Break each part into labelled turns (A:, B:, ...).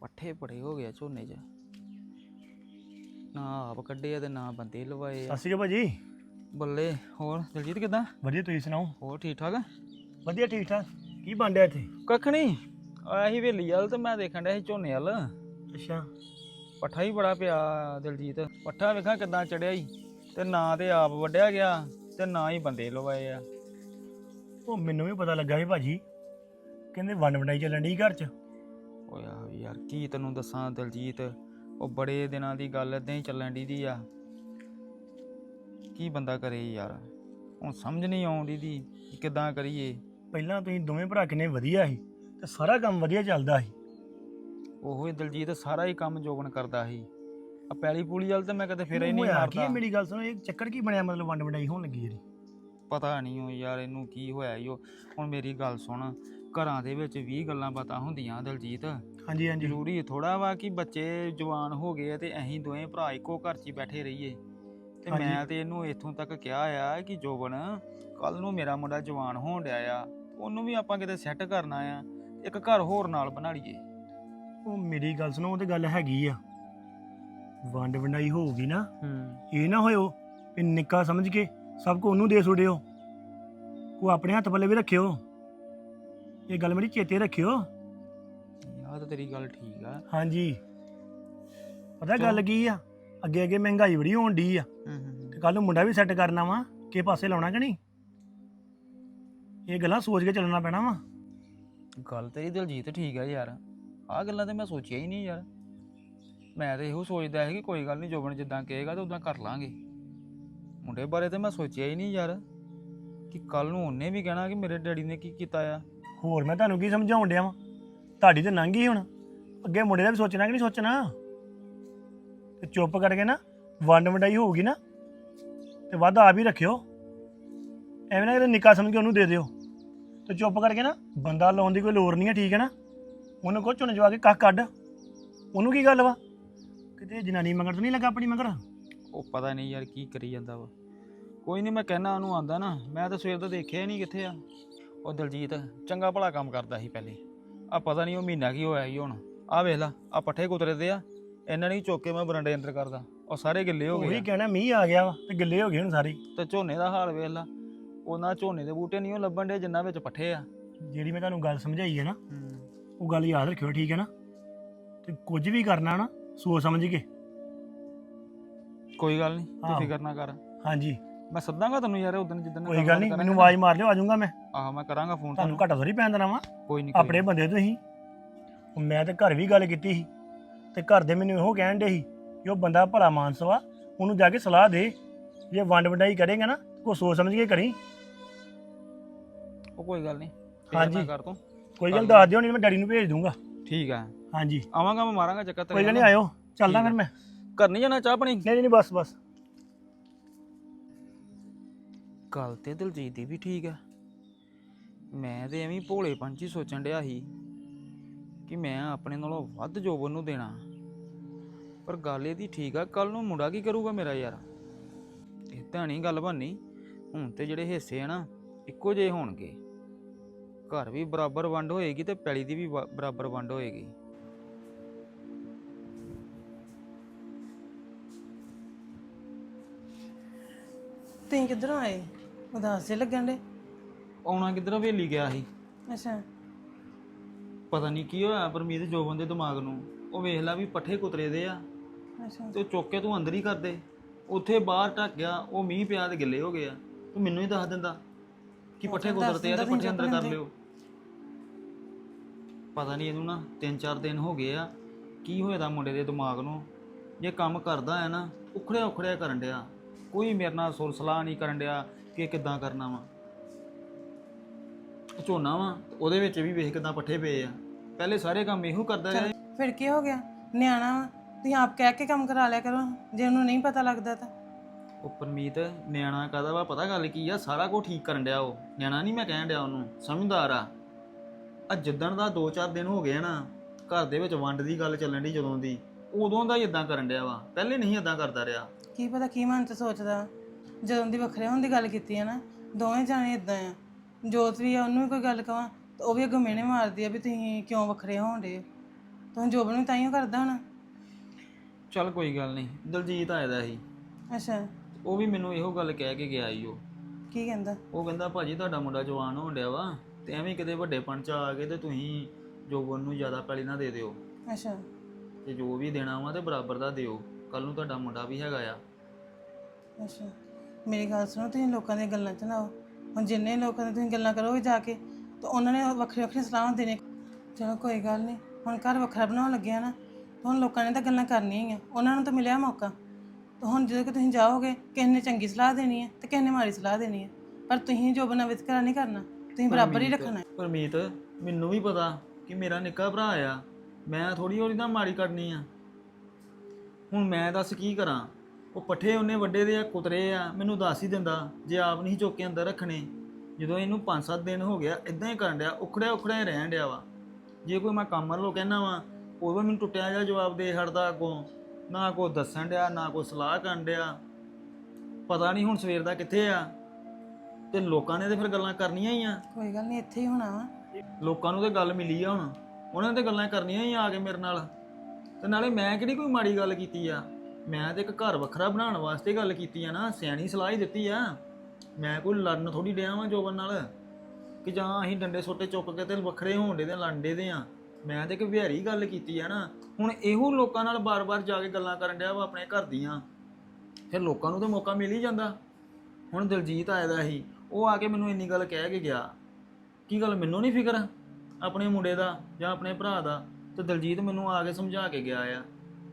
A: ਪੱਠੇ ਬੜੇ ਹੋ ਗਏ ਝੋਨੇ 'ਚ, ਨਾ ਆਪ ਕੱਢੇ ਆ ਤੇ ਨਾ ਬੰਦੇ ਲਵਾਏ ਆ।
B: ਸਤਿ ਸ਼੍ਰੀ ਅਕਾਲ ਭਾਜੀ।
A: ਬੱਲੇ। ਹੋਰ ਦਲਜੀਤ ਕਿੱਦਾਂ?
B: ਵਧੀਆ, ਤੁਸੀਂ ਸੁਣਾਓ?
A: ਹੋਰ ਠੀਕ ਠਾਕ?
B: ਵਧੀਆ ਠੀਕ ਠਾਕ। ਕੀ ਬਣ ਰਿਹਾ ਇੱਥੇ?
A: ਕੱਖ ਨਹੀਂ, ਆਇਆ ਸੀ ਹਵੇਲੀ ਵੱਲ ਤੇ ਮੈਂ ਦੇਖਣ ਡਿਆ ਸੀ ਝੋਨੇ ਵੱਲ।
B: ਅੱਛਾ।
A: ਪੱਠਾ ਹੀ ਬੜਾ ਪਿਆ ਦਲਜੀਤ, ਪੱਠਾ ਵੇਖਾਂ ਕਿੱਦਾਂ ਚੜਿਆ ਹੀ, ਤੇ ਨਾ ਤੇ ਆਪ ਵੱਢਿਆ ਗਿਆ ਤੇ ਨਾ ਹੀ ਬੰਦੇ ਲਵਾਏ ਆ।
B: ਉਹ ਮੈਨੂੰ ਵੀ ਪਤਾ ਲੱਗਾ ਸੀ ਭਾਜੀ, ਕਹਿੰਦੇ ਵੰਡ ਵੰਡਾਈ ਚੱਲਣ ਡਈ ਘਰ 'ਚ।
A: ਓਏ ਆਹੋ ਯਾਰ, ਕੀ ਤੈਨੂੰ ਦੱਸਾਂ ਦਲਜੀਤ, ਉਹ ਬੜੇ ਦਿਨਾਂ ਦੀ ਗੱਲ ਏਦਾਂ ਹੀ ਚੱਲਣ ਦੀ ਆ। ਕੀ ਬੰਦਾ ਕਰੇ ਯਾਰ, ਹੁਣ ਸਮਝ ਨਹੀਂ ਆਉਂਦੀ ਦੀ ਕਿੱਦਾਂ ਕਰੀਏ।
B: ਪਹਿਲਾਂ ਤੁਸੀਂ ਦੋਵੇਂ ਭਰਾ ਕਿੰਨੇ ਵਧੀਆ ਸੀ ਤੇ ਸਾਰਾ ਕੰਮ ਵਧੀਆ ਚੱਲਦਾ ਸੀ।
A: ਉਹੋ ਹੀ ਦਲਜੀਤ, ਸਾਰਾ ਹੀ ਕੰਮ ਜੋਬਨ ਕਰਦਾ ਸੀ। ਆ ਪੈਲੀ ਪੂਲੀ ਵਾਲ ਤਾਂ ਮੈਂ ਕਦੇ ਫੇਰਾ ਹੀ ਨਹੀਂ
B: ਹੋਇਆ ਕੀ
A: ਮਾਰਦਾ।
B: ਮੇਰੀ ਗੱਲ ਸੁਣੋ, ਇਹ ਚੱਕਰ ਕੀ ਬਣਿਆ? ਮਤਲਬ ਵੰਡ ਵੰਡਾਈ ਹੋਣ ਲੱਗੀ ਜਿਹੜੀ?
A: ਪਤਾ ਨਹੀਂ ਉਹ ਯਾਰ ਇਹਨੂੰ ਕੀ ਹੋਇਆ ਈ। ਉਹ ਹੁਣ ਮੇਰੀ ਗੱਲ ਸੁਣ, ਘਰਾਂ ਦੇ ਵਿੱਚ 20 ਗੱਲਾਂ ਬਾਤਾਂ ਹੁੰਦੀਆਂ ਦਲਜੀਤ।
B: ਹਾਂਜੀ ਹਾਂਜੀ।
A: ਜ਼ਰੂਰੀ ਥੋੜਾ ਵਾ ਕਿ ਬੱਚੇ ਜਵਾਨ ਹੋ ਗਏ ਤੇ ਅਸੀਂ ਦੋਵੇਂ ਭਰਾ ਇੱਕੋ ਘਰ 'ਚ ਹੀ ਬੈਠੇ ਰਹੀਏ। ਤੇ ਮੈਂ ਤੇ ਇਹਨੂੰ ਇੱਥੋਂ ਤੱਕ ਕਿਹਾ ਆ ਕਿ ਜੋਬਨ, ਕੱਲ ਨੂੰ ਮੇਰਾ ਮੁੰਡਾ ਜਵਾਨ ਹੋਣ ਡਿਆ ਆ, ਉਹਨੂੰ ਵੀ ਆਪਾਂ ਕਿਤੇ ਸੈੱਟ ਕਰਨਾ ਆ, ਇੱਕ ਘਰ ਹੋਰ ਨਾਲ ਬਣਾ ਲਈਏ।
B: ਉਹ ਮੇਰੀ ਗੱਲ ਸੁਣੋ, ਉਹ ਤੇ ਗੱਲ ਹੈਗੀ ਆ, ਵੰਡ ਵੰਡਾਈ ਹੋਊਗੀ ਨਾ, ਇਹ ਨਾ ਹੋਇਓ ਵੀ ਨਿੱਕਾ ਸਮਝ ਕੇ ਸਭ ਕੋ ਉਹਨੂੰ ਦੇ ਛੋੜਿਓ। ਕੋ ਆਪਣੇ ਹੱਥ ਪੱਲੇ ਵੀ ਰੱਖਿਓ, ਇਹ ਗੱਲ ਮੇਰੀ ਚੇਤੇ ਰੱਖਿਓ।
A: ਆਹ ਤਾਂ ਤੇਰੀ ਗੱਲ ਠੀਕ ਆ।
B: ਹਾਂਜੀ। ਪਤਾ ਗੱਲ ਕੀ ਆ, ਅੱਗੇ ਅੱਗੇ ਮਹਿੰਗਾਈ ਬੜੀ ਹੋਣ ਡਈ ਆ, ਤੇ ਕੱਲ ਨੂੰ ਮੁੰਡਾ ਵੀ ਸੈੱਟ ਕਰਨਾ ਵਾ, ਕਿਸੇ ਪਾਸੇ ਲਾਉਣਾ ਕਿ ਨਹੀਂ? ਇਹ ਗੱਲਾਂ ਸੋਚ ਕੇ ਚੱਲਣਾ ਪੈਣਾ ਵਾ।
A: ਗੱਲ ਤੇਰੀ ਦਲਜੀਤ ਠੀਕ ਆ ਯਾਰ, ਆਹ ਗੱਲਾਂ ਤੇ ਮੈਂ ਸੋਚਿਆ ਹੀ ਨਹੀਂ ਯਾਰ। ਮੈਂ ਤਾਂ ਇਹੋ ਸੋਚਦਾ ਸੀ ਕਿ ਕੋਈ ਗੱਲ ਨਹੀਂ, ਜੋਬਨ ਜਿੱਦਾਂ ਕਹੇਗਾ ਤਾਂ ਉਦਾਂ ਕਰ ਲਾਂਗੇ। ਮੁੰਡੇ ਬਾਰੇ ਤਾਂ ਮੈਂ ਸੋਚਿਆ ਹੀ ਨਹੀਂ ਯਾਰ, ਕਿ ਕੱਲ ਨੂੰ ਉਹਨੇ ਵੀ ਕਹਿਣਾ ਕਿ ਮੇਰੇ ਡੈਡੀ ਨੇ ਕੀ ਕੀਤਾ ਆ।
B: ਹੋਰ ਮੈਂ ਤੁਹਾਨੂੰ ਕੀ ਸਮਝਾਉਣ ਡਿਆ ਵਾਂ? ਤੁਹਾਡੀ ਤੇ ਲੰਘ ਗਈ, ਹੁਣ ਅੱਗੇ ਮੁੰਡੇ ਦਾ ਵੀ ਸੋਚਣਾ ਕਿ ਨਹੀਂ ਸੋਚਣਾ? ਤੇ ਚੁੱਪ ਕਰਕੇ ਨਾ, ਵੰਡ ਵੰਡਾਈ ਹੋਊਗੀ ਨਾ ਤੇ ਵੱਧ ਆਪ ਹੀ ਰੱਖਿਓ, ਐਵੇਂ ਨਾ ਕਿਤੇ ਨਿੱਕਾ ਸਮਝ ਕੇ ਉਹਨੂੰ ਦੇ ਦਿਓ। ਤੇ ਚੁੱਪ ਕਰਕੇ ਨਾ, ਬੰਦਾ ਲਾਉਣ ਦੀ ਕੋਈ ਲੋੜ ਨਹੀਂ ਹੈ, ਠੀਕ ਹੈ ਨਾ? ਉਹਨੂੰ ਕਹੋ ਝੁੰਨ ਜਵਾ ਕੇ ਕੱਖ ਕੱਢ, ਉਹਨੂੰ ਕੀ ਗੱਲ ਵਾ? ਕਿਤੇ ਜਨਾਨੀ ਮਗਰ ਤਾਂ ਨਹੀਂ ਲੱਗਾ ਆਪਣੀ ਮਗਰ?
A: ਉਹ ਪਤਾ ਨਹੀਂ ਯਾਰ ਕੀ ਕਰੀ ਜਾਂਦਾ ਵਾ। ਕੋਈ ਨਹੀਂ, ਮੈਂ ਕਹਿਣਾ ਉਹਨੂੰ, ਆਂਦਾ ਨਾ, ਮੈਂ ਤਾਂ ਸਵੇਰ ਦਾ ਦੇਖਿਆ ਹੀ ਨਹੀਂ ਕਿੱਥੇ ਆ। ਉਹ ਦਲਜੀਤ ਚੰਗਾ ਭਲਾ ਕੰਮ ਕਰਦਾ ਸੀ ਪਹਿਲੇ, ਆ ਪਤਾ ਨਹੀਂ ਉਹ ਮਹੀਨਾ ਕੀ ਹੋਇਆ ਸੀ ਹੁਣ। ਆਹ ਵੇਖ ਲਾ, ਆ ਪੱਠੇ ਕੁਤਰੇ ਦੇ ਆ, ਇਹਨਾਂ ਨੇ ਚੁੱਕ ਕੇ ਮੈਂ ਬਰਾਂਡੇ ਅੰਦਰ ਕਰਦਾ, ਉਹ ਸਾਰੇ ਗਿੱਲੇ ਹੋ ਗਏ।
B: ਉਹੀ ਕਹਿਣਾ, ਮੀਂਹ ਆ ਗਿਆ ਵਾ ਤੇ ਗਿੱਲੇ ਹੋ ਗਏ ਹੁਣ ਸਾਰੇ।
A: ਤੇ ਝੋਨੇ ਦਾ ਹਾਲ ਵੇਖ ਲਾ, ਉਹਨਾਂ ਝੋਨੇ ਦੇ ਬੂਟੇ ਨਹੀਂ ਉਹ ਲੱਭਣ ਡੇ ਜਿੰਨਾ ਵਿੱਚ ਪੱਠੇ ਆ।
B: ਜਿਹੜੀ ਮੈਂ ਤੁਹਾਨੂੰ ਗੱਲ ਸਮਝਾਈ ਹੈ ਨਾ, ਉਹ ਗੱਲ ਯਾਦ ਰੱਖਿਓ, ਠੀਕ ਹੈ ਨਾ? ਤੇ ਕੁਝ ਵੀ ਕਰਨਾ ਨਾ, ਸੋਚ ਸਮਝ ਕੇ।
A: ਕੋਈ ਗੱਲ ਨਹੀਂ, ਤੂੰ ਫਿਕਰ ਨਾ ਕਰ।
B: ਹਾਂਜੀ।
A: ਮੈਂ ਸੱਦਾਂਗਾ ਤੈਨੂੰ ਯਾਰ ਉਦੋਂ ਜਿੱਦਣ।
B: ਕੋਈ ਗੱਲ ਨਹੀਂ, ਮੈਨੂੰ ਆਵਾਜ਼ ਮਾਰ ਲਿਓ, ਆ ਜਾਊਂਗਾ ਮੈਂ।
A: ਆਹ ਮੈਂ ਕਰਾਂਗਾ ਫੋਨ
B: ਤੁਹਾਨੂੰ ਘੱਟਾ ਥੋੜੀ ਪੈਣ ਦੇਣਾ ਵਾ।
A: ਕੋਈ ਨਹੀਂ,
B: ਆਪਣੇ ਬੰਦੇ ਤੁਸੀਂ। ਮੈਂ ਤੇ ਘਰ ਵੀ ਗੱਲ ਕੀਤੀ ਸੀ, ਤੇ ਘਰ ਦੇ ਮੈਨੂੰ ਇਹੋ ਕਹਿਣ ਡੇ ਸੀ ਕਿ ਉਹ ਬੰਦਾ ਭਲਾ ਮਾਨਸ ਵਾ, ਉਹਨੂੰ ਜਾ ਕੇ ਸਲਾਹ ਦੇ, ਜੇ ਵੰਡ ਵੰਡਾਈ ਕਰੇਗਾ ਨਾ ਕੋ ਸੋਚ ਸਮਝ ਕੇ ਕਰੀ।
A: ਉਹ ਕੋਈ ਗੱਲ ਨਹੀਂ,
B: ਹਾਂਜੀ
A: ਕਰ ਤੂੰ।
B: ਕੋਈ ਗੱਲ ਦੱਸ ਦਿਓ, ਨਹੀਂ ਮੈਂ ਡੈਡੀ ਨੂੰ ਭੇਜ ਦੂੰਗਾ।
A: ਠੀਕ ਆ।
B: ਹਾਂਜੀ
A: ਆਵਾਂਗਾ, ਮੈਂ ਮਾਰਾਂਗਾ ਚੱਕਰ ਤੇਰੇ।
B: ਕੋਈ ਗੱਲ ਨਹੀਂ, ਆਇਓ, ਚੱਲਦਾ ਫਿਰ ਮੈਂ।
A: ਘਰ ਨਹੀਂ ਜਾਣਾ? ਚਾਹ ਪਾਣੀ?
B: ਨਹੀਂ ਨਹੀਂ, ਬਸ ਬਸ।
A: ਗੱਲ ਤੇ ਦਲਜੀਤ ਦੀ ਵੀ ਠੀਕ ਆ। ਮੈਂ ਤੇ ਐਵੇਂ ਭੋਲੇ ਪੰਛੀ ਸੋਚਣ ਡਿਆ ਸੀ ਕਿ ਮੈਂ ਆਪਣੇ ਨਾਲੋਂ ਵੱਧ ਜੋਬਨ ਨੂੰ ਦੇਣਾ, ਪਰ ਗੱਲ ਇਹਦੀ ਠੀਕ ਆ। ਕੱਲ ਨੂੰ ਮੁੰਡਾ ਕੀ ਕਰੂਗਾ ਮੇਰਾ ਯਾਰ? ਇਹ ਤਾਂ ਨਹੀਂ ਗੱਲ ਬਣਨੀ। ਹੁਣ ਤੇ ਜਿਹੜੇ ਹਿੱਸੇ ਆ ਨਾ, ਇੱਕੋ ਜਿਹੇ ਹੋਣਗੇ। ਘਰ ਵੀ ਬਰਾਬਰ ਵੰਡ ਹੋਏਗੀ ਤੇ ਪੈਲੀ ਦੀ ਵੀ ਬਰਾਬਰ ਵੰਡ ਹੋਏਗੀ।
C: ਤੁਸੀਂ ਕਿੱਧਰੋਂ ਆਏ? ਉਦਾਸ ਜਿਹੇ ਲੱਗਣ ਡੇ।
A: ਆਉਣਾ ਕਿੱਧਰ, ਹਵੇਲੀ ਗਿਆ ਸੀ।
C: ਅੱਛਾ।
A: ਪਤਾ ਨਹੀਂ ਕੀ ਹੋਇਆ ਪਰਮੀਤ ਜੋਬਨ ਦੇ ਦਿਮਾਗ ਨੂੰ। ਉਹ ਵੇਖ ਲਾ ਵੀ ਪੱਠੇ ਕੁਤਰੇ ਦੇ ਆ,
C: ਅੱਛਾ।
A: ਤੇ ਉਹ ਚੁੱਕ ਕੇ ਤੂੰ ਅੰਦਰ ਹੀ ਕਰ ਦੇ। ਉੱਥੇ ਬਾਹਰ ਢੱਕ ਗਿਆ, ਉਹ ਮੀਂਹ ਪਿਆ ਤੇ ਗਿੱਲੇ ਹੋ ਗਏ ਆ। ਤੂੰ ਮੈਨੂੰ ਹੀ ਦੱਸ ਦਿੰਦਾ ਕਿ ਪੱਠੇ ਕੁਤਰਦੇ ਆ ਤੇ ਪੱਠੇ ਅੰਦਰ ਕਰ ਲਿਓ। ਪਤਾ ਨਹੀਂ ਇਹਨੂੰ ਨਾ 3-4 ਦਿਨ ਹੋ ਗਏ ਆ, ਕੀ ਹੋਇਆ ਦਾ ਮੁੰਡੇ ਦੇ ਦਿਮਾਗ ਨੂੰ। ਜੇ ਕੰਮ ਕਰਦਾ ਹੈ ਨਾ, ਉਖੜਿਆ ਉਖੜਿਆ ਕਰਨ ਡਿਆ। ਕੋਈ ਮੇਰੇ ਨਾਲ ਸੁਰ ਸਲਾਹ ਨਹੀਂ ਕਰਨ ਡਿਆ ਕਿ ਕਿੱਦਾਂ ਕਰਨਾ ਵਾ। ਝੋਨਾ ਵਾ, ਉਹਦੇ ਵਿੱਚ ਵੀ ਵੇਖ ਕਿੱਦਾਂ ਪੱਠੇ ਪਏ ਆ। ਪਹਿਲੇ ਸਾਰੇ ਕੰਮ ਇਹੋ ਕਰਦਾ ਰਿਹਾ।
C: ਫਿਰ ਕੀ ਹੋ ਗਿਆ? ਨਿਆਣਾ ਵਾ, ਤੁਸੀਂ ਆਪ ਕਹਿ ਕੇ ਕੰਮ ਕਰਾ ਲਿਆ ਕਰੋ, ਜੇ ਉਹਨੂੰ ਨਹੀਂ ਪਤਾ ਲੱਗਦਾ ਤਾਂ।
A: ਉਹ ਪਰਮੀਤ, ਨਿਆਣਾ ਕਾਹਦਾ ਵਾ? ਪਤਾ ਗੱਲ ਕੀ ਆ, ਸਾਰਾ ਕੁਝ ਠੀਕ ਕਰਨ ਡਿਆ ਉਹ। ਨਿਆਣਾ ਨਹੀਂ ਮੈਂ ਕਹਿਣ ਡਿਆ ਉਹਨੂੰ, ਸਮਝਦਾਰ ਆ। ਜਿੱਦਣ ਦਾ 2-4 ਦਿਨ ਹੋ ਗਏ ਨਾ, ਘਰ ਦੇ ਵਿੱਚ ਵੰਡ ਦੀ ਗੱਲ ਚੱਲਣ ਦੀ ਜਦੋਂ ਦੀ, ਉਦੋਂ ਦਾ ਹੀ ਇਦਾਂ ਕਰਨ ਡਿਆ ਵਾ। ਪਹਿਲੇ ਨਹੀਂ ਇਦਾਂ ਕਰਦਾ ਰਿਹਾ।
C: ਕੀ ਪਤਾ ਕੀ ਮਨ 'ਚ ਸੋਚਦਾ। ਜਦੋਂ ਦੀ ਵੱਖਰੇ ਹੋਣ ਦੀ ਗੱਲ ਕੀਤੀ ਹੈ ਨਾ, ਦੋਵੇਂ ਜਾਣੇ ਇਦਾਂ ਆ। ਜੋਤ ਵੀ ਆ, ਉਹਨੂੰ ਵੀ ਕੋਈ ਗੱਲ ਕਵਾਂ ਤਾਂ ਉਹ ਵੀ ਅੱਗੋਂ ਮਿਹਣੇ ਮਾਰਦੀ ਆ ਵੀ ਤੁਸੀਂ ਕਿਉਂ ਵੱਖਰੇ ਹੋਣ ਡੇ। ਤੂੰ ਜੋਬ ਨੂੰ ਤਾਈਓ ਕਰਦਾ ਹੋਣਾ।
A: ਚੱਲ ਕੋਈ ਗੱਲ ਨਹੀਂ, ਦਲਜੀਤ ਆਇਆ ਦਾ ਸੀ,
C: ਅੱਛਾ,
A: ਉਹ ਵੀ ਮੈਨੂੰ ਇਹੋ ਗੱਲ ਕਹਿ ਕੇ ਗਿਆ ਈ।
C: ਕੀ ਕਹਿੰਦਾ?
A: ਉਹ ਕਹਿੰਦਾ ਭਾਜੀ ਤੁਹਾਡਾ ਮੁੰਡਾ ਜਵਾਨ ਹੋਣ ਡਿਆ ਵਾ ਤੇ ਐਵੇਂ ਕਿਤੇ ਵੱਡੇਪਣ ਚ ਆ ਗਏ ਤੇ ਤੁਸੀਂ ਜੋਬਨ ਨੂੰ ਜ਼ਿਆਦਾ ਪੈਲੀ ਨਾ ਦੇ ਦਿਓ,
C: ਅੱਛਾ
A: ਤੇ ਜੋ ਵੀ ਦੇਣਾ ਵਾ ਤੇ ਬਰਾਬਰ ਦਾ ਦਿਓ, ਕੱਲ ਨੂੰ ਤੁਹਾਡਾ ਮੁੰਡਾ ਵੀ ਹੈਗਾ ਆ।
C: ਅੱਛਾ, ਮੇਰੀ ਗੱਲ ਸੁਣੋ, ਤੁਸੀਂ ਲੋਕਾਂ ਦੀਆਂ ਗੱਲਾਂ 'ਚ ਨਾ ਆਓ। ਹੁਣ ਜਿੰਨੇ ਲੋਕਾਂ ਦੀ ਤੁਸੀਂ ਗੱਲਾਂ ਕਰੋਗੇ ਜਾ ਕੇ ਤਾਂ ਉਹਨਾਂ ਨੇ ਵੱਖਰੀ ਵੱਖਰੀ ਸਲਾਹਾਂ ਦੇਣੇ। ਚਲੋ ਕੋਈ ਗੱਲ ਨਹੀਂ, ਹੁਣ ਘਰ ਵੱਖਰਾ ਬਣਾਉਣ ਲੱਗਿਆ ਨਾ, ਤਾਂ ਹੁਣ ਲੋਕਾਂ ਨੇ ਤਾਂ ਗੱਲਾਂ ਕਰਨੀਆਂ ਹੀ ਆ, ਉਹਨਾਂ ਨੂੰ ਤਾਂ ਮਿਲਿਆ ਮੌਕਾ। ਤਾਂ ਹੁਣ ਜਦੋਂ ਕਿ ਤੁਸੀਂ ਜਾਓਗੇ, ਕਿਸੇ ਨੇ ਚੰਗੀ ਸਲਾਹ ਦੇਣੀ ਹੈ ਤੇ ਕਿਸੇ ਨੇ ਮਾੜੀ ਸਲਾਹ ਦੇਣੀ ਹੈ, ਪਰ ਤੁਸੀਂ ਜੋ ਬਣਾ ਵਿਤਕਰਾ ਨਹੀਂ ਕਰਨਾ, ਤੁਸੀਂ ਬਰਾਬਰ ਹੀ ਰੱਖਣਾ ਹੈ।
A: ਪਰਮੀਤ, ਮੈਨੂੰ ਵੀ ਪਤਾ ਕਿ ਮੇਰਾ ਨਿੱਕਾ ਭਰਾ ਆ, ਮੈਂ ਥੋੜੀ ਉਹਦੀ ਤਾਂ ਮਾੜੀ ਕਰਨੀ ਆ। ਹੁਣ ਮੈਂ ਦੱਸ ਕੀ ਕਰਾਂ? ਉਹ ਪੱਠੇ ਉਹਨੇ ਵੱਡੇ ਦੇ ਆ, ਕੁਤਰੇ ਆ, ਮੈਨੂੰ ਦੱਸ ਹੀ ਦਿੰਦਾ ਜੇ ਆਪ ਨਹੀਂ ਚੁੱਕ ਕੇ ਅੰਦਰ ਰੱਖਣੇ। ਜਦੋਂ ਇਹਨੂੰ 5-7 ਦਿਨ ਹੋ ਗਿਆ ਇਦਾਂ ਹੀ ਕਰਨ ਡਿਆ, ਉਖੜਿਆ ਹੀ ਰਹਿਣ ਡਿਆ ਵਾ। ਜੇ ਕੋਈ ਮੈਂ ਕੰਮ ਵੱਲੋਂ ਕਹਿਣਾ ਵਾ, ਉਦੋਂ ਮੈਨੂੰ ਟੁੱਟਿਆ ਜਿਹਾ ਜਵਾਬ ਦੇ ਛੱਡਦਾ, ਅੱਗੋਂ ਨਾ ਕੋਈ ਦੱਸਣ ਡਿਆ ਨਾ ਕੋਈ ਸਲਾਹ ਕਰਨ ਡਿਆ। ਪਤਾ ਨਹੀਂ ਹੁਣ ਸਵੇਰ ਦਾ ਕਿੱਥੇ ਆ, ਤੇ ਲੋਕਾਂ ਨੇ ਤੇ ਫਿਰ ਗੱਲਾਂ ਕਰਨੀਆਂ ਹੀ ਆ।
C: ਕੋਈ ਗੱਲ ਨਹੀਂ, ਇੱਥੇ ਹੀ ਹੋਣਾ ਵਾ।
A: ਲੋਕਾਂ ਨੂੰ ਤੇ ਗੱਲ ਮਿਲੀ ਆ, ਹੁਣ ਉਹਨਾਂ ਨੇ ਤੇ ਗੱਲਾਂ ਕਰਨੀਆਂ ਹੀ ਆ ਕੇ ਮੇਰੇ ਨਾਲ। ਤੇ ਨਾਲੇ ਮੈਂ ਕਿਹੜੀ ਕੋਈ ਮਾੜੀ ਗੱਲ ਕੀਤੀ ਆ? ਮੈਂ ਤੇ ਇੱਕ ਘਰ ਵੱਖਰਾ ਬਣਾਉਣ ਵਾਸਤੇ ਗੱਲ ਕੀਤੀ ਆ ਨਾ, ਸਿਆਣੀ ਸਲਾਹ ਹੀ ਦਿੱਤੀ ਆ। ਮੈਂ ਕੋਈ ਲੜਨ ਥੋੜੀ ਡਿਆ ਵਾਂ ਜੋਬਨ ਨਾਲ, ਕਿ ਜਾਂ ਅਸੀਂ ਡੰਡੇ ਸੋਟੇ ਚੁੱਕ ਕੇ ਤੇ ਵੱਖਰੇ ਹੋਣ ਦੇ ਤੇ ਲੜਦੇ ਦੇ ਆ। ਮੈਂ ਤੇ ਇੱਕ ਵਿਹਾਰੀ ਗੱਲ ਕੀਤੀ ਆ ਨਾ। ਹੁਣ ਇਹੋ ਲੋਕਾਂ ਨਾਲ ਬਾਰ-ਬਾਰ ਜਾ ਕੇ ਗੱਲਾਂ ਕਰਨ ਡਿਆ ਵਾ ਆਪਣੇ ਘਰ ਦੀਆਂ, ਫਿਰ ਲੋਕਾਂ ਨੂੰ ਤਾਂ ਮੌਕਾ ਮਿਲ ਹੀ ਜਾਂਦਾ। ਹੁਣ ਦਲਜੀਤ ਆਇਆ ਦਾ ਸੀ, ਉਹ ਆ ਕੇ ਮੈਨੂੰ ਇੰਨੀ ਗੱਲ ਕਹਿ ਕੇ ਗਿਆ। ਕੀ ਗੱਲ ਮੈਨੂੰ ਨਹੀਂ ਫਿਕਰ ਆਪਣੇ ਮੁੰਡੇ ਦਾ ਜਾਂ ਆਪਣੇ ਭਰਾ ਦਾ? ਤੇ ਦਲਜੀਤ ਮੈਨੂੰ ਆ ਕੇ ਸਮਝਾ ਕੇ ਗਿਆ ਆ।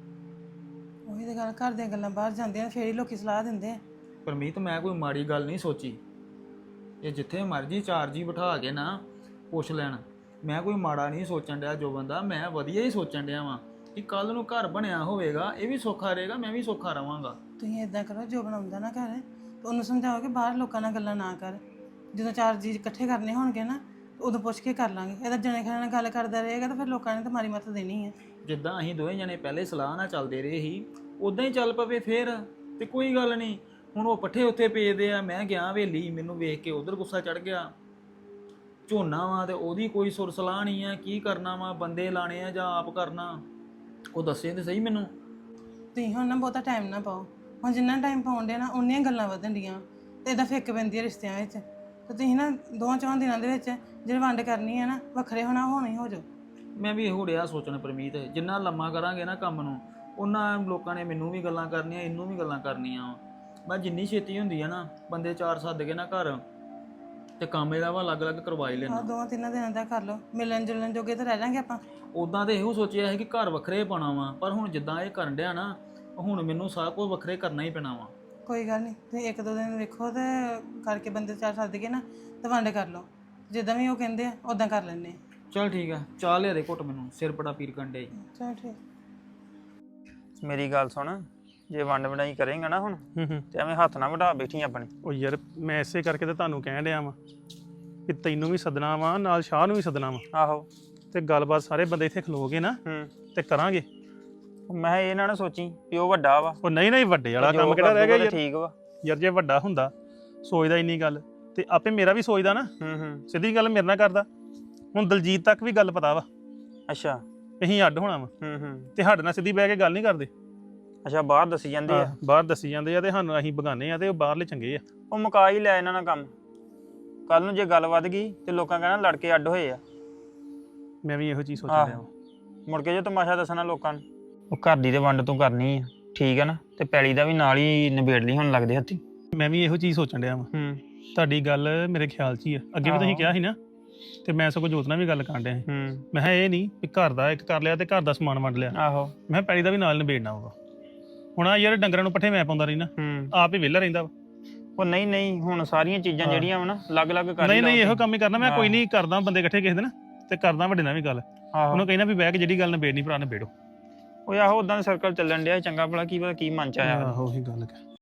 C: ਉਹੀ ਤਾਂ ਗੱਲ, ਘਰ ਦੀਆਂ ਗੱਲਾਂ ਬਾਹਰ ਜਾਂਦੀਆਂ ਨੇ, ਫੇਰ ਹੀ ਲੋਕੀ ਸਲਾਹ ਦਿੰਦੇ ਆ।
A: ਪਰਮੀਤ, ਮੈਂ ਕੋਈ ਮਾੜੀ ਗੱਲ ਨਹੀਂ ਸੋਚੀ। ਇਹ ਜਿੱਥੇ ਮਰਜੀ 4 ਜੀ ਬਿਠਾ ਕੇ ਨਾ ਪੁੱਛ ਲੈਣ, ਮੈਂ ਕੋਈ ਮਾੜਾ ਨਹੀਂ ਸੋਚਣ ਡਿਆ ਜੋ ਬੰਦਾ, ਮੈਂ ਵਧੀਆ ਹੀ ਸੋਚਣ ਡਿਆ ਵਾਂ ਕਿ ਕੱਲ ਨੂੰ ਘਰ ਬਣਿਆ ਹੋਵੇਗਾ, ਇਹ ਵੀ ਸੌਖਾ ਰਹੇਗਾ, ਮੈਂ ਵੀ ਸੌਖਾ ਰਵਾਂਗਾ।
C: ਤੁਸੀਂ ਇਦਾਂ ਕਰੋ, ਜੋ ਬਣਾਉਂਦਾ ਨਾ ਘਰ ਤਾਂ ਉਹਨੂੰ ਸਮਝਾਓ ਕਿ ਬਾਹਰ ਲੋਕਾਂ ਨਾਲ ਗੱਲਾਂ ਨਾ ਕਰ। ਜਦੋਂ 4 ਜੀ ਇਕੱਠੇ ਕਰਨੇ ਹੋਣਗੇ ਨਾ, ਉਦੋਂ ਪੁੱਛ ਕੇ ਕਰ ਲਾਂਗੇ। ਇਹਦਾ ਜਣੇ ਖਣੇ ਨਾਲ ਗੱਲ ਕਰਦਾ ਰਹੇਗਾ ਤਾਂ ਫਿਰ ਲੋਕਾਂ ਨੇ ਤਾਂ ਮਾਰੀ ਮੱਤ ਦੇਣੀ ਹੈ।
A: ਜਿੱਦਾਂ ਅਸੀਂ ਦੋਵੇਂ ਜਣੇ ਪਹਿਲੇ ਸਲਾਹ ਨਾਲ ਚੱਲਦੇ ਰਹੇ ਸੀ, ਉਦਾਂ ਹੀ ਚੱਲ ਪਵੇ ਫੇਰ, ਤੇ ਕੋਈ ਗੱਲ ਨਹੀਂ। ਹੁਣ ਉਹ ਪੱਠੇ ਉੱਥੇ ਪੇਦੇ ਆ, ਮੈਂ ਗਿਆ ਹਵੇਲੀ, ਮੈਨੂੰ ਵੇਖ ਕੇ ਉਧਰ ਗੁੱਸਾ ਚੜ ਗਿਆ। ਝੋਨਾ ਵਾ ਤੇ ਉਹਦੀ ਕੋਈ ਸੁਰ ਸਲਾਹ ਨਹੀਂ ਆ, ਕੀ ਕਰਨਾ ਵਾ, ਬੰਦੇ ਲਾਣੇ ਆ ਜਾਂ ਆਪ ਕਰਨਾ, ਉਹ ਦੱਸੇ ਤੇ ਸਹੀ ਮੈਨੂੰ।
C: ਤੁਸੀਂ ਹੁਣ ਨਾ ਬਹੁਤਾ ਟਾਈਮ ਨਾ ਪਾਓ। ਹੁਣ ਜਿੰਨਾ ਟਾਈਮ ਪਾਉਂਦੇ ਨਾ ਉਨੀਆਂ ਗੱਲਾਂ ਵਧਣ ਡੀਆਂ ਤੇ ਇਹਦਾ ਫਿੱਕ ਪੈਂਦੀ ਹੈ ਰਿਸ਼ਤਿਆਂ ਵਿੱਚ। ਤੇ ਤੁਸੀਂ ਨਾ 2-4 ਦਿਨਾਂ ਦੇ ਵਿੱਚ ਜਿਹੜੀ ਵੰਡ ਕਰਨੀ ਹੈ ਨਾ, ਵੱਖਰੇ ਹੋਣਾ ਹੀ ਹੋ ਜਾਓ।
A: ਮੈਂ ਵੀ ਇਹੋ ਡਿਆ ਸੋਚਣ ਪਰਮੀਤ, ਜਿੰਨਾ ਲੰਮਾ ਕਰਾਂਗੇ ਨਾ ਕੰਮ ਨੂੰ, ਉਹਨਾਂ ਲੋਕਾਂ ਨੇ ਮੈਨੂੰ ਵੀ ਗੱਲਾਂ ਕਰਨੀਆਂ, ਇਹਨੂੰ ਵੀ ਗੱਲਾਂ ਕਰਨੀਆਂ। ਮੈਂ ਜਿੰਨੀ ਛੇਤੀ ਹੁੰਦੀ ਆ ਨਾ, ਬੰਦੇ 4 ਸੱਦ ਕੇ ਨਾ ਘਰ, ਤੇ ਕੰਮ ਇਹਦਾ ਵਾ ਅਲੱਗ-ਅਲੱਗ ਕਰਵਾ ਹੀ ਲੈਣਾ।
C: 2-3 ਦਿਨਾਂ ਦਾ ਕਰ ਲਓ, ਮਿਲਣ ਜੁਲਣ ਜੋਗੇ ਤਾਂ ਰਹਿ ਜਾਾਂਗੇ ਆਪਾਂ।
A: ਉਦਾਂ ਤੇ ਇਹੋ ਸੋਚਿਆ ਸੀ ਕਿ ਘਰ ਵੱਖਰੇ ਪਾਉਣਾ ਵਾ, ਪਰ ਹੁਣ ਜਿੱਦਾਂ ਇਹ ਕਰਨ ਡਿਆ ਨਾ, ਹੁਣ ਮੈਨੂੰ ਸਾਰਾ ਕੁਝ ਵੱਖਰੇ ਕਰਨਾ ਹੀ ਪੈਣਾ ਵਾ।
C: ਕੋਈ ਗੱਲ ਨਹੀਂ, ਤੁਸੀਂ 1-2 ਦਿਨ ਵੇਖੋ ਤੇ ਕਰਕੇ ਬੰਦੇ 4 ਸੱਦ ਕੇ ਨਾ ਤੇ ਵੰਡ ਕਰ ਲਓ। ਜਿੱਦਾਂ ਵੀ ਉਹ ਕਹਿੰਦੇ ਆ ਉਦਾਂ ਕਰ ਲੈਂਦੇ ਆ।
A: ਚਲ ਠੀਕ ਆ, ਚਾਹ ਲਿਆ ਦੇ ਘੁੱਟ, ਮੈਨੂੰ ਸਿਰ ਬੜਾ ਪੀਰ ਕਰਨ ਡਿਆ ਈ।
C: ਚਲ ਠੀਕ।
D: ਮੇਰੀ ਗੱਲ ਸੁਣ, ਜੇ ਵੰਡ ਵੰਡਾਈ ਕਰੇਂਗਾ ਨਾ ਹੁਣ ਤੇ ਐਵੇਂ ਹੱਥ ਨਾ ਵਢਾ ਬੈਠੀ ਆਪਣੇ।
B: ਉਹ ਯਾਰ ਮੈਂ ਇਸੇ ਕਰਕੇ ਤਾਂ ਤੁਹਾਨੂੰ ਕਹਿਣ ਡਿਆ ਵਾਂ ਕਿ ਤੈਨੂੰ ਵੀ ਸੱਦਣਾ ਵਾ, ਨਾਲ ਸ਼ਾਹ ਨੂੰ ਵੀ ਸੱਦਣਾ ਵਾ,
D: ਆਹੋ,
B: ਤੇ ਗੱਲਬਾਤ ਸਾਰੇ ਬੰਦੇ ਇੱਥੇ ਖਲੋਗੇ ਨਾ ਤੇ ਕਰਾਂਗੇ।
D: ਮੈਂ ਇਹ ਨਾ ਸੋਚੀ ਵੀ ਉਹ ਵੱਡਾ ਵਾ।
B: ਉਹ ਨਹੀਂ ਵੱਡੇ ਵਾਲਾ ਕੰਮ ਕਿਹੜਾ ਰਹਿ ਗਿਆ ਯਾਰ?
D: ਠੀਕ ਵਾ
B: ਯਾਰ, ਜੇ ਵੱਡਾ ਹੁੰਦਾ ਸੋਚਦਾ ਇੰਨੀ ਗੱਲ ਤੇ ਆਪੇ ਮੇਰਾ ਵੀ ਸੋਚਦਾ ਨਾ। ਸਿੱਧੀ ਗੱਲ ਮੇਰੇ ਨਾਲ ਕਰਦਾ। ਹੁਣ ਦਲਜੀਤ ਤੱਕ ਵੀ ਗੱਲ ਪਤਾ ਵਾ
D: ਅੱਛਾ
B: ਅਸੀਂ ਅੱਡ ਹੋਣਾ ਵਾ, ਤੇ ਸਾਡੇ ਨਾਲ ਸਿੱਧੀ ਬਹਿ ਕੇ ਗੱਲ ਨਹੀਂ ਕਰਦੇ।
D: ਅੱਛਾ, ਬਾਹਰ ਦੱਸੀ ਜਾਂਦੇ ਆ।
B: ਬਾਹਰ ਦੱਸੀ ਜਾਂਦੇ ਆ ਤੇ ਸਾਨੂੰ ਅਸੀਂ ਬਗਾਨੇ ਆ ਤੇ ਉਹ ਬਾਹਰਲੇ ਚੰਗੇ ਆ।
D: ਉਹ ਮੁਕਾ ਹੀ ਲੈ ਇਹਨਾਂ ਨਾਲ ਕੰਮ। ਕੱਲ ਨੂੰ ਜੇ ਗੱਲ ਵੱਧ ਗਈ ਤੇ ਲੋਕਾਂ ਕਹਿਣਾ ਲੜ ਕੇ ਅੱਡ ਹੋਏ ਆ।
B: ਮੈਂ ਵੀ ਇਹੋ ਚੀਜ਼ ਸੋਚਣ ਡਿਆ।
D: ਮੁੜ ਕੇ ਜੇ ਤਮਾਸ਼ਾ ਦੱਸਣਾ ਲੋਕਾਂ ਨੂੰ। ਉਹ ਘਰ ਦੀ ਤੇ ਵੰਡ ਤੂੰ ਕਰਨੀ ਆ, ਠੀਕ ਆ ਨਾ, ਤੇ ਪੈਲੀ ਦਾ ਵੀ ਨਾਲ ਹੀ ਨਿਬੇੜ ਲਈ ਹੁਣ ਲੱਗਦੇ ਹੱਥੀ।
B: ਮੈਂ ਵੀ ਇਹੋ ਚੀਜ਼ ਸੋਚਣ ਡਿਆ ਵਾਂ। ਤੁਹਾਡੀ ਗੱਲ ਮੇਰੇ ਖਿਆਲ 'ਚ ਹੀ ਆ। ਅੱਗੇ ਵੀ ਤੁਸੀਂ ਕਿਹਾ ਸੀ ਨਾ, ਤੇ ਮੈਂ ਸਗੋਂ ਜੋਤ ਨਾਲ ਵੀ ਗੱਲ ਕਰਨ ਡਿਆ ਸੀ। ਮੈਂ ਕਿਹਾ ਇਹ ਨਹੀਂ ਵੀ ਘਰ ਦਾ ਇੱਕ ਕਰ ਲਿਆ ਤੇ ਘਰ ਦਾ ਸਮਾਨ ਵੰਡ ਲਿਆ।
D: ਆਹੋ,
B: ਮੈਂ ਪੈਲੀ ਦਾ ਵੀ ਨਾਲ ਨਿਬੇੜਨਾ ਹੋਊਗਾ। ਹੁਣ ਆ ਯਾਰ, ਡੰਗਰਾਂ ਨੂੰ ਪੱਠੇ ਮੈਂ ਪਾਉਂਦਾ ਰਹਿਣਾ, ਆਪ ਹੀ ਵਿਹਲਾ ਰਹਿੰਦਾ ਵਾ।
D: ਉਹ ਨਹੀਂ ਹੁਣ ਸਾਰੀਆਂ ਚੀਜ਼ਾਂ ਜਿਹੜੀਆਂ ਵਾ ਨਾ ਅਲੱਗ-ਅਲੱਗ ਕਰ
B: ਨਹੀਂ ਇਹੋ ਕੰਮ ਹੀ ਕਰਨਾ ਮੈਂ। ਕੋਈ ਨਹੀਂ, ਕਰਦਾ ਬੰਦੇ ਇਕੱਠੇ ਕਿਸੇ ਦਿਨ ਤੇ ਕਰਦਾ ਵੱਡੇ ਨਾਲ ਵੀ ਗੱਲ। ਉਹਨੂੰ ਕਹਿਣਾ ਵੀ ਬਹਿ ਕੇ ਜਿਹੜੀ ਗੱਲ ਨਿਬੇੜਨੀ ਭਰਾ ਨਿਬੇੜੋ।
D: ਉਹ ਆਹੋ, ਉਦਾਂ ਸਰਕਲ ਚੱਲਣ ਡਿਆ ਚੰਗਾ ਭਲਾ, ਕੀ ਪਤਾ ਕੀ ਮਨ ਚ ਆਇਆ।
B: ਆਹੋ, ਉਹੀ ਗੱਲ